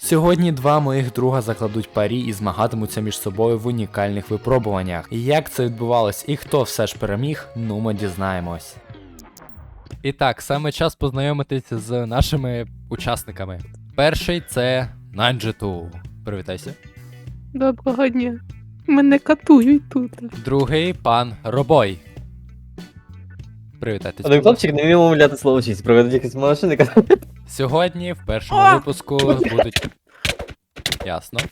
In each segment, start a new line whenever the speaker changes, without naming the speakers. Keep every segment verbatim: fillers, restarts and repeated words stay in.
Сьогодні два моїх друга закладуть парі і змагатимуться між собою в унікальних випробуваннях. І як це відбувалось і хто все ж переміг, ну ми дізнаємось. І так, саме час познайомитися з нашими учасниками. Перший це Найнджету. Привітайся.
Доброго дня. Мене катують тут.
Другий пан Робой. Привітайтесь.
Один хлопчик не вмів мовляти слово честь, проведуть якісь машини.
Сьогодні в першому випуску будуть. Ясно.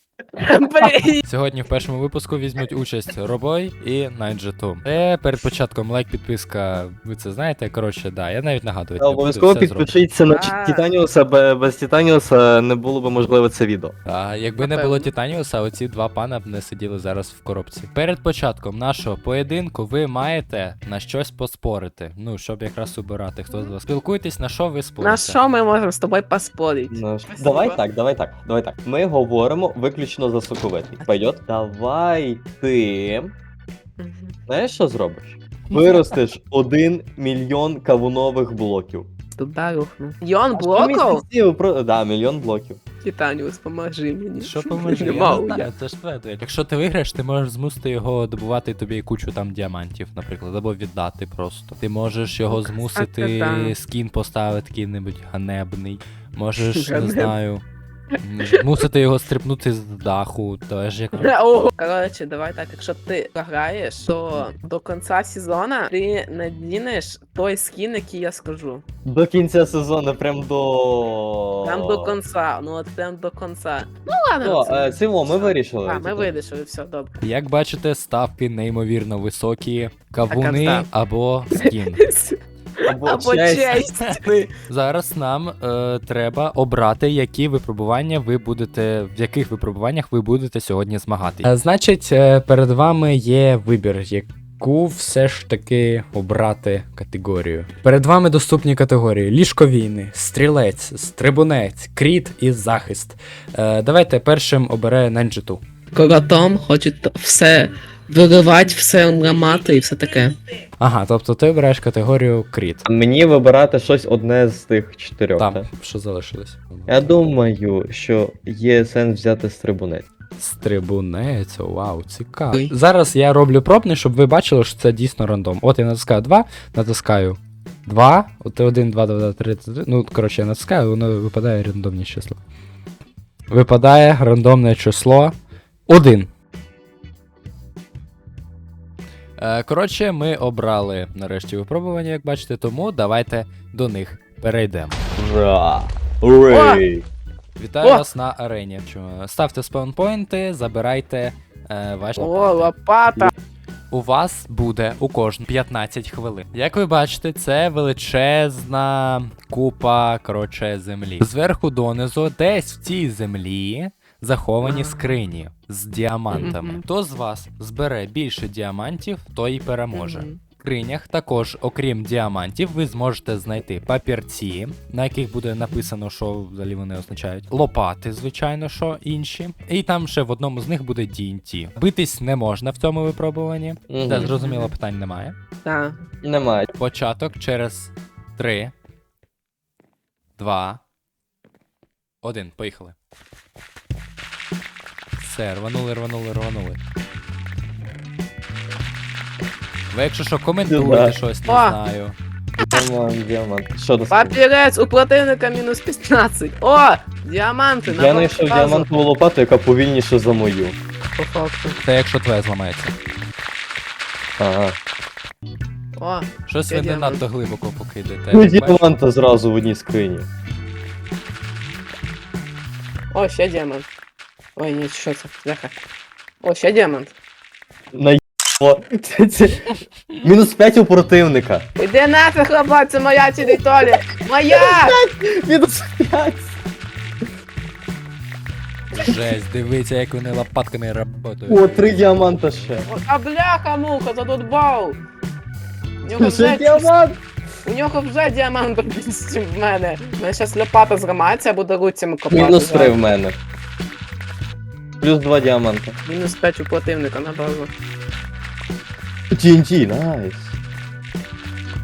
Блін.
Сьогодні в першому випуску візьмуть участь Робой і Найнджету. Це перед початком лайк, підписка, ви це знаєте, коротше, да, я навіть нагадувати не буду,
Обов'язково
все зроблю.
підпишіться на
А.
Титаніуса, бе- без Титаніуса не було б можливо це відео.
А якби не
Напевно.
було Титаніуса, оці два пана б не сиділи зараз в коробці. Перед початком нашого поєдинку ви маєте на щось поспорити. Ну, щоб якраз обирати, хто з вас. Спілкуйтесь, на що ви спорите.
На що ми можемо з тобою поспорити?
Ну,
Спасибо.
давай так, давай так, давай так. Ми говоримо виключно за соковитий. Пойдет? Давай ти.
Мгм.
Знаєш, що зробиш? Виростеш один мільйон кавунових блоків.
Туди рухну. Йон
А що
блоков?
місяців про- Да, мільйон блоків.
Титаніус, поможи мені.
Що поможи? Я
Нема
не
у
знаю, це ж твоє. Якщо ти виграєш, ти можеш змусити його добувати тобі кучу там діамантів, наприклад, або віддати просто. Ти можеш його
Кстати,
змусити
да.
скін поставити який-небудь ганебний. Можеш, не
Ганебний.
знаю, м, змусити його стрибнути з даху, теж як.
Ого. Коротше, давай так, якщо ти програєш, то до кінця сезону ти надінеш той скін, який я скажу.
До кінця сезону, прям до.
Прям до кінця, ну от прям до кінця. Ну ладно.
О,
це-
е, Симо, ми вирішили.
А, ми вирішили, все, добре.
Як бачите, ставки неймовірно високі, кавуни
Так,
або скін.
Або,
Або
честь.
честь.
Зараз нам е, треба обрати, які випробування ви будете, в яких випробуваннях ви будете сьогодні змагатися. Значить, е, перед вами є вибір, яку все ж таки обрати категорію. Перед вами доступні категорії: ліжко війни, стрілець, стрибунець, кріт і захист. Е, давайте першим обере Найнджету.
Коротом хочуть все виривати, все ламати і все таке.
Ага, тобто ти обираєш категорію кріт.
А мені вибирати щось одне з тих чотирьох.
Там,
так?
що залишилось.
Я думаю, що є сенс взяти стрибунець.
Стрибунець, вау, цікаво.
Ой.
Зараз я роблю пробний, щоб ви бачили, що це дійсно рандом. От я натискаю два, натискаю два, от один, два, два, три, три. Ну, коротше, я натискаю, воно випадає рандомне число. Випадає рандомне число один. Е, коротше, ми обрали нарешті випробування, як бачите, тому давайте до них перейдемо.
Ура! Урей!
Вітаю
О!
вас на арені. Чому? Ставте спаунпойнти, забирайте е, ваші
О,
лопати.
лопата.
У вас буде у кожного п'ятнадцять хвилин. Як ви бачите, це величезна купа, коротше, землі. Зверху донизу, десь в цій землі заховані скрині з діамантами.
Мгм.
Хто з вас збере більше діамантів, той і переможе.
Мгм.
В скринях також, окрім діамантів, ви зможете знайти папірці, на яких буде написано, що взагалі вони означають. Лопати, звичайно, що інші. І там ще в одному з них буде ді ен ті. Битись не можна в цьому випробуванні.
Мгм.
Це зрозуміло, питань немає.
Так.
Немає.
Початок через три, два, один. Поїхали. Все, рванули, рванули, рванули. Ви, якщо що, коментуйте
Да.
щось, не
О!
знаю.
Діамант, діамант. Що до
Папірець, у противника мінус п'ятнадцять. О, діаманти.
Я знайшов діамантову лопату, яка повільніша за мою.
По факту.
Це якщо твоя зламається.
Ага.
О,
Щось
Я
ви не
діамант.
надто глибоко покидаєте.
Ну,
Як бачите,
діаманта зразу в одній скрині.
о, ще діамант. Ой, ні, що це? Бляха. О, ще діамант.
Наїбало. Це, це... Мінус п'ять у противника.
Іди нафіг, хлопець, це моя територія. Моя!
Мінус п'ять.
Жесть, дивіться, як вони лопатками працюють.
О, три діаманта ще.
О, а бляха, муха, задудбав. У нього
Ще
вже,
діамант.
у нього вже діамант в мене. У мене зараз лопата зламається, я буду руцями копати.
Мінус три в мене. Плюс два діаманта.
Мінус п'ять у противника на базу.
ті ен ті, найс.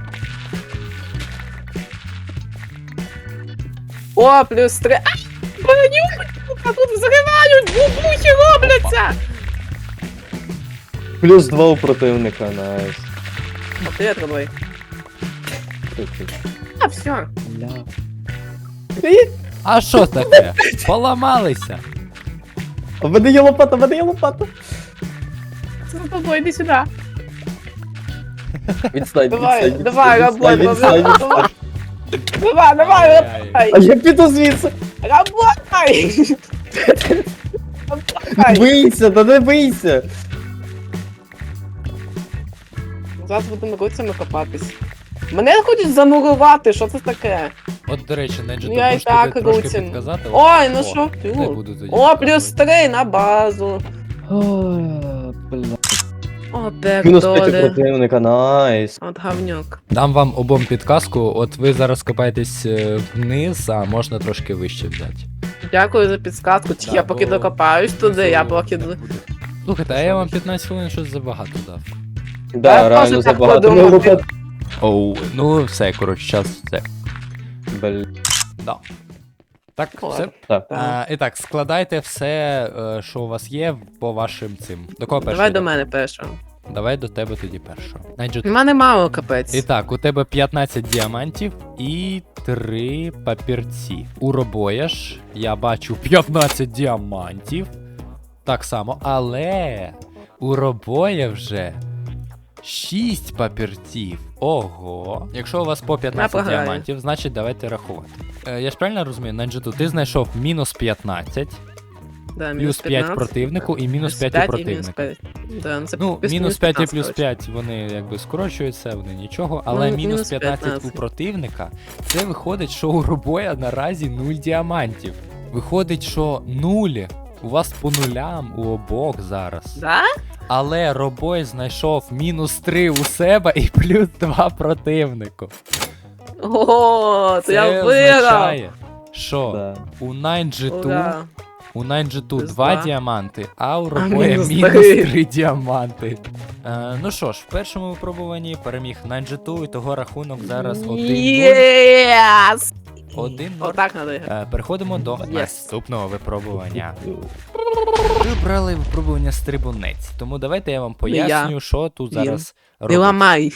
О, плюс три. А, А тут взривають, бубухи робляться!
Плюс два у противника, найс.
А привіт, Родой. А, все.
Бля.
А що таке? Поламалися.
А в мене є лопата, в мене є лопата.
Це за тобою, йди сюди.
Відстань,
Давай,
відстань,
давай,
відстань,
работай,
відстань,
давай,
відстань.
давай, давай,
Ай-яй.
работай.
А я піду звідси.
Работай! Работай!
Бийся, та не бийся.
Зараз будемо руцями копатись. Мене хочуть замурувати, що це таке?
От, до речі, Ненджі,
Ну,
ти
я і
можеш
так
тобі трошки
руцін.
підказати?
Ой, ну
О,
що?
Не
Тю.
буду тоді.
О, плюс
підказувати.
три на базу.
Ой, бля.
О,
Мінус п'ять у
бекдоли.
противника, найс.
От говнюк.
Дам вам обом підказку, от ви зараз копаєтесь е, вниз, а можна трошки вище взяти.
Дякую за підсказку.
Да,
Я поки
бо
докопаюсь туди, я
внизу
поки...
не буде. Слухайте, а я вам п'ятнадцять хвилин щось забагато дав.
Да,
Я
реально
теж так
забагато.
подумав.
Ну, лопата.
Оу, ну все, коротше, час все.
Бля.
Да. Так,
Ладно.
все.
Так.
А, і так, складайте все, е, що у вас є, по вашим цим. До кого перший?
Давай до
йде?
мене першого.
Давай до тебе тоді першого. Найджу.
У мене мало капець.
І так, у тебе п'ятнадцять діамантів і три папірці. У Робоя-ж я бачу п'ятнадцять діамантів. Так само, але у Робоя вже шість папірців. Ого. Якщо у вас по п'ятнадцять
програю.
діамантів, значить давайте рахувати. Е, я ж правильно розумію, Нанджиту, ти знайшов мінус п'ятнадцять,
Да,
плюс
мінус
п'ять
п'ятнадцять.
противнику і мінус п'ять у
п'ять і мінус
противника.
п'ять. Да, ну це
Ну,
плюс-
мінус п'ять і плюс
п'ятнадцять,
п'ять, вони якби скорочуються, вони нічого, але
Ну,
мінус
мінус
п'ятнадцять у
п'ятнадцять.
противника, це виходить, що у Робоя наразі нуль діамантів. Виходить, що нуль. У вас по нулям у обох зараз.
Да?
Але Робой знайшов мінус три у себе і плюс два противнику.
Ого, то
Це
я виграв.
означає, що
Да.
у Найнджиту
Ура.
У Найнджиту
Плюс
два
два.
діаманти, а у Робоя
мінус
мінус
три.
три діаманти. Е, ну що ж, в першому випробуванні переміг Найнджиту, і того рахунок зараз один нуль.
Єс!
один нуль.
Отак надо грати.
Е, Переходимо до
Yes.
наступного випробування. Ви обрали випробування стрибунець, тому давайте я вам поясню, що тут
Він.
зараз
Не
робиться.
ламай.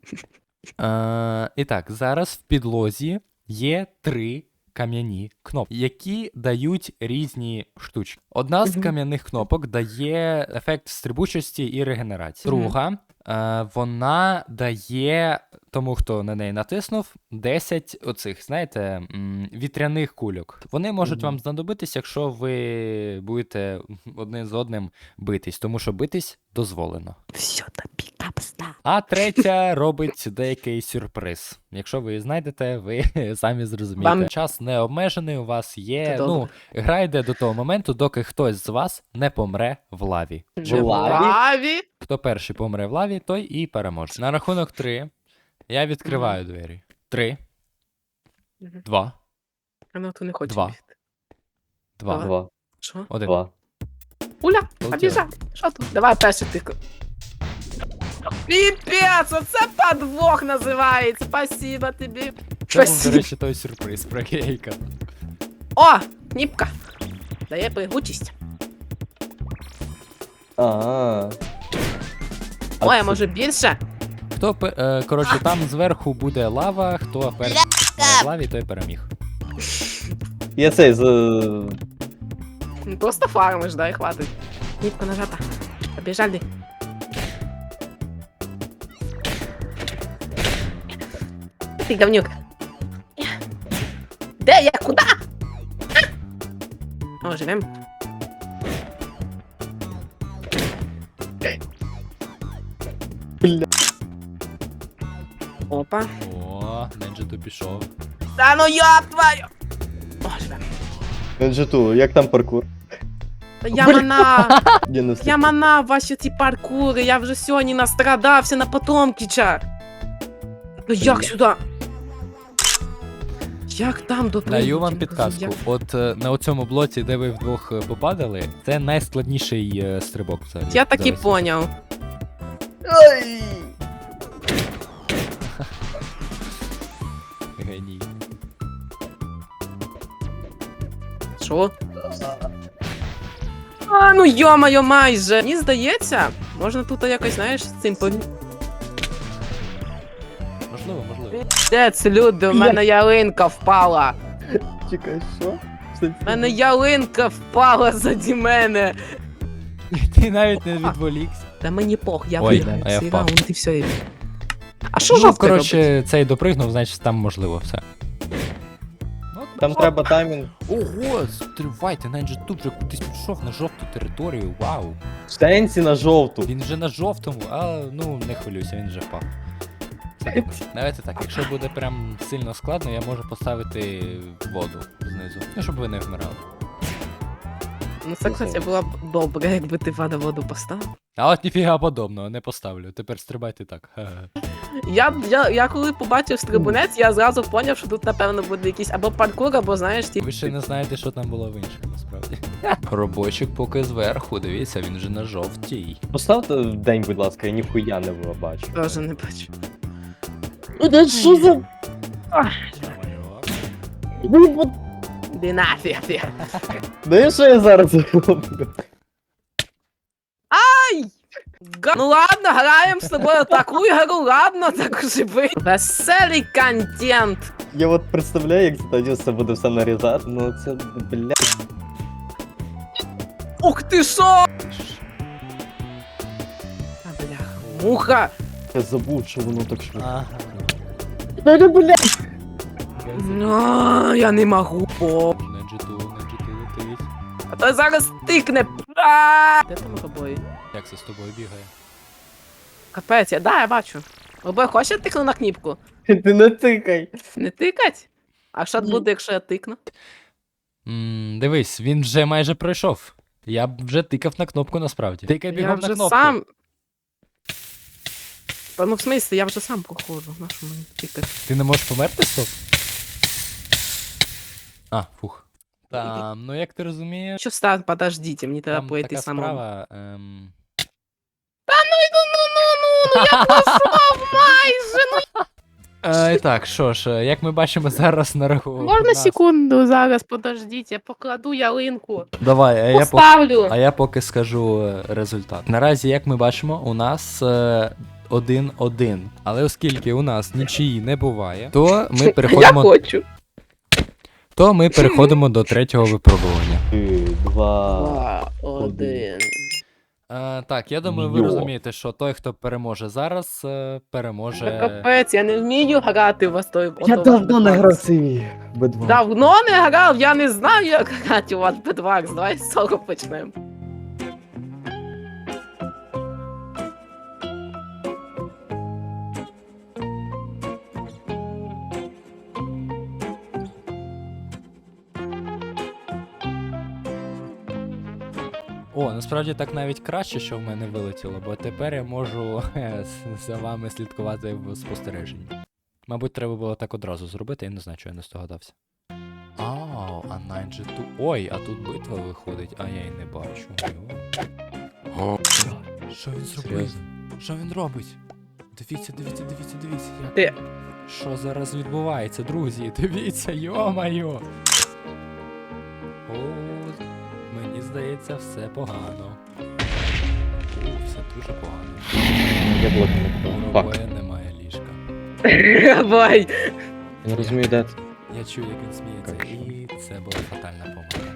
Е, і так, зараз в підлозі є три кам'яні кнопки, які дають різні штучки. Одна з
Мгм.
кам'яних кнопок дає ефект стрибучості і регенерації.
Мгм.
Друга, е, вона дає тому, хто на неї натиснув, десять оцих, знаєте, м, вітряних кульок. Вони можуть
Мгм.
вам знадобитись, якщо ви будете один з одним битись, тому що битись дозволено.
Все, тобі капста.
А третя робить деякий сюрприз. Якщо ви її знайдете, ви самі зрозумієте.
Вам-
Час не обмежений, у вас є.
Це
Ну,
добре.
гра йде до того моменту, доки хтось з вас не помре в лаві.
Вже в
лаві?
лаві?
Хто перший помре в лаві, той і переможе. На рахунок три я відкриваю двері. Три,
Мгм.
два,
А ну, то не хоче
Два.
бігти.
два,
Два.
Що?
один.
Два.
Уля,
Полетіли.
побіжав. Що тут? Давай перший тик. Піпець, оце подвох називається. Спасибо тобі.
Це був, до
Спасибо.
речі, той сюрприз про Гейка.
О, ніпка. Дає пригучість.
А.
Ой, а може більше?
Хто пе- е, коротше, там зверху буде лава, хто перший помре в лаві, той переміг.
Я цей з.
Ну, просто фармиш, да, і хватить. Ніпка нажата. Побіжали. Ти говнюк. Де я? Куда? О, живем.
Бля.
Опа.
О, Ненджиту пішов.
Да ну я твою! О, живем.
Ненджиту, як там паркур?
Я мана!
Я не
Я
встиг.
мана ваші ці паркури, я вже сьогодні настрадався на Потомкіча. Ну як сюди? Як там до
Даю вам
прийняття?
підказку.
Як-
От е, на оцьому блоці, де ви вдвох е, попадали, це найскладніший е, стрибок взагалі.
Я так і
Зараз.
поняв.
Геній.
Що? А, ну йо-моє, майже! Мені здається, можна тут якось, знаєш, з цим пові...
Можливо, можливо.
Дець, люди, в мене ялинка впала!
Чекай, що? Що
В мене ялинка впала заді мене!
Ти навіть не відволікся.
Та мені пох, я
Ой,
виграю
а я
цей
впав.
раунд і все. і- А що
Ну,
жовтий робить?
коротше, цей допригнув, значить там можливо все.
Там треба таймінг.
Ого, стривайте, навіть же тут вже кудись пішов на жовту територію, вау.
Штенці на жовту.
Він вже на жовтому, а ну не хвилюйся, він вже впав. Все добре. Давайте так, якщо буде прям сильно складно, я можу поставити воду знизу. Ну, щоб ви не вмирали.
Ну це, кстати, було б добре, якби ти вода воду поставив.
А от ніфіга подобного, не поставлю. Тепер стрибайте так. Ха-ха.
Я, я, я коли побачив стрибунець, я зразу поняв, що тут, напевно, буде якийсь або паркур, або, знаєш, ті...
Ви ще не знаєте, що там було в інших, насправді. Робочик поки зверху, дивіться, він вже на жовтій.
Поставте в день, будь ласка, я ніхуя не бачу.
Теж не бачу.
Ну, що за...
Іди нафіг, ти.
Ну, що я зараз роблю?
Га- Ну ладно, граємо з тобою таку ігру, ладно, так живи. Веселий контент.
Я от представляю, як тоді все буде все нарізати, ну це, бля...
Ух ти шо! А, бляха, муха.
Я забув, що воно так швидко.
Ага.
Ну, бля!
А, я не можу. О,
На джиту, на джиту летить.
а то зараз тикне. А! Де там обоє?
Як це з тобою бігає?
Капець, я, да, я бачу. Обоє хоче тикну на кніпку?
Ти не тикай!
Не тикать? А що
Ні.
буде, якщо я тикну?
М, дивись, він вже майже пройшов. Я б вже тикав на кнопку насправді. Тикай
Я
бігом на
вже
кнопку.
сам. Та ну в смислі, я вже сам проходжу. На що мені тикати?
Ти не можеш померти, стоп? А, фух. Там, ну як ти розумієш,
Що стан, подождіть, мені треба
там
пройти
така
самому.
справа. Ем...
Ну, я пройшов майже, ну.
Е, і так, що ж, е, як ми бачимо зараз на рахунку.
Можна секунду зараз, подождіть, я покладу ялинку.
Давай, а я, по...
Поставлю.
а я поки скажу е, результат. Наразі, як ми бачимо, у нас е, один-один. Але оскільки у нас нічиї не буває, то ми
Я
переходимо,
хочу.
то ми переходимо до третього випробування.
Три, два...
Два, один.
Е, так, я думаю, ви
Йо.
розумієте, що той, хто переможе зараз, е,
Та
переможе.
капець, я не вмію грати в той.
Я
ото
давно не
Bedwars.
грав цей бі два.
Давно не грав, я не знаю, як грати у вас Bedwars. Давай з цього почнемо.
О, насправді так навіть краще, що в мене вилетіло, бо тепер я можу е, з- за вами слідкувати в спостереженні. Мабуть, треба було так одразу зробити, я не знаю, чого я не здогадався. Ау, а Найнджі ту. Ой, а тут битва виходить, а я й не бачу. Йо. Що він зробив?
Серйозно?
Що він робить? Дивіться, дивіться, дивіться, дивіться. Як...
Ти.
Що зараз відбувається, друзі? Дивіться, йо-майо! О, мені здається, все погано. О, все дуже погано.
Я блок не
У
купив. Фак.
Робоя немає ліжка.
Давай.
Я не розумію, де ти.
Я чую, як він сміється,
Как що?
і це була фатальна помилка.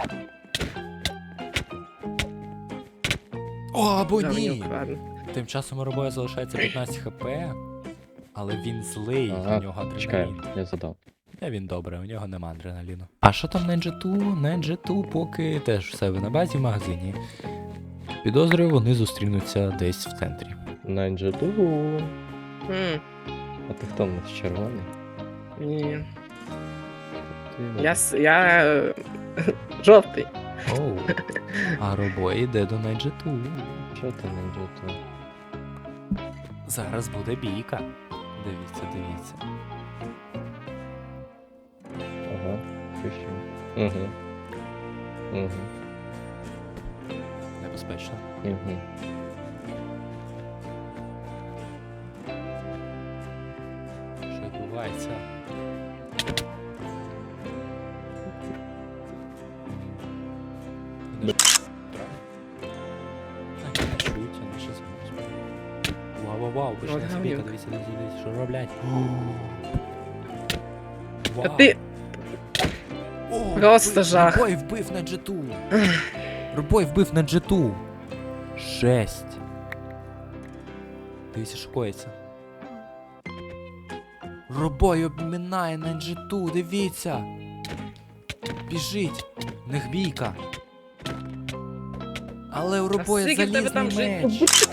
О, або
Да, мені
ні!
вкрадено.
Тим часом у Робоя залишається п'ятнадцять хп, але він злий,
Ага,
у нього
Чекай,
адреналін.
я задав.
Та він добре, у нього нема адреналіну. А що там на Джету? На Джету поки теж в себе на базі в магазині. Підозрюю, вони зустрінуться десь в центрі.
Найнджету.
М,
А ти хто в нас червоний?
Ні.
Ти-
Я, с- я е, жовтий.
Оу. А Робой йде до Найджету.
Що ти Найнджету?
Зараз буде бійка. Дивіться, дивіться.
Ага, пишу. Угу. Угу.
Небезпечно.
Угу.
Що відбувається?
Да.
Чують, а наші звуки. Вау, вау, вау, пішли
От
собі,
гавнюк.
дивіться, дивіться, дивіться, що роблять.
А ти
О,
Просто
вбив-
жах.
Робой вбив на джету. Робой вбив на джету. Жесть. Дивіться, що коїться. Робой обмінає на джету, дивіться. Біжить. В них бійка. Але у Робоя
скільки в тебе там
залізний
жит-
меч.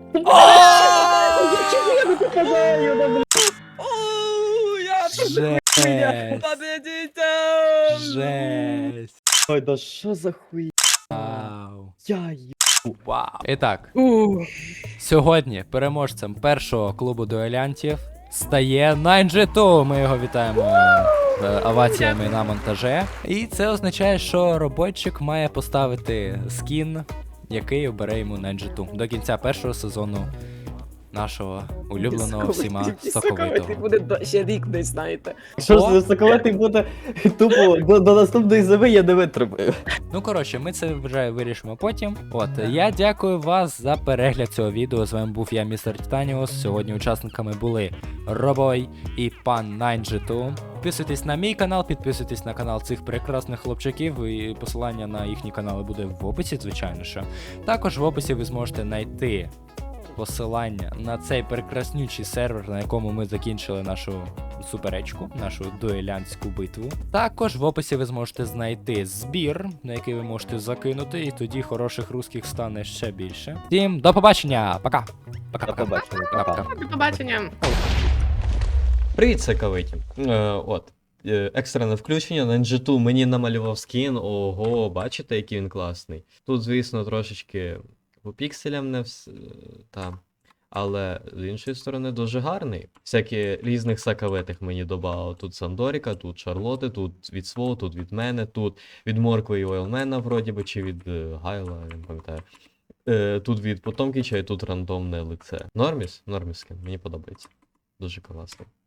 Оу, я
Жесть.
Подивіться!
Жесть.
Ой, да що за хуй?
Вау.
Я й...
Вау. І так,
Ух.
сьогодні переможцем першого клубу дуелянтів стає Найнджету. Ми його вітаємо е, оваціями на монтаже. І це означає, що роботчик має поставити скін, який обере йому Найнджету до кінця першого сезону нашого улюбленого всіма
Соковитий
соковитого.
буде до- ще рік десь, знаєте.
Що ж
О!
за соковитий буде тупо до, до наступної зими я не витримаю.
Ну коротше, ми це вже вирішимо потім. От, я дякую вас за перегляд цього відео. З вами був я, містер Титаніус. Сьогодні учасниками були Робой і пан Найнджету. Підписуйтесь на мій канал, підписуйтесь на канал цих прекрасних хлопчаків, і посилання на їхні канали буде в описі, звичайно що. Також в описі ви зможете знайти посилання на цей прекраснючий сервер, на якому ми закінчили нашу суперечку, нашу дуелянтську битву. Також в описі ви зможете знайти збір, на який ви можете закинути, і тоді хороших русських стане ще більше. Всім до побачення! Пока!
До
Пока-пока.
побачення.
Пока-пока.
Пока.
До побачення.
Привіт, соковиті. Е, от. Е, екстрене включення. На Найнджету мені намалював скін. Ого, бачите, який він класний. Тут, звісно, трошечки по пікселям не вс... та. Але з іншої сторони дуже гарний. Всякі різних соковитих мені додав. Тут Сандоріка, тут Шарлоти, тут від Сво, тут від мене, тут від Моркви і Ойлмена, вроді би, чи від е, Гайла, я не пам'ятаю. Е, тут від Потомкіча і тут рандомне лице. Норміс? Норміс скін, мені подобається. Дуже класно.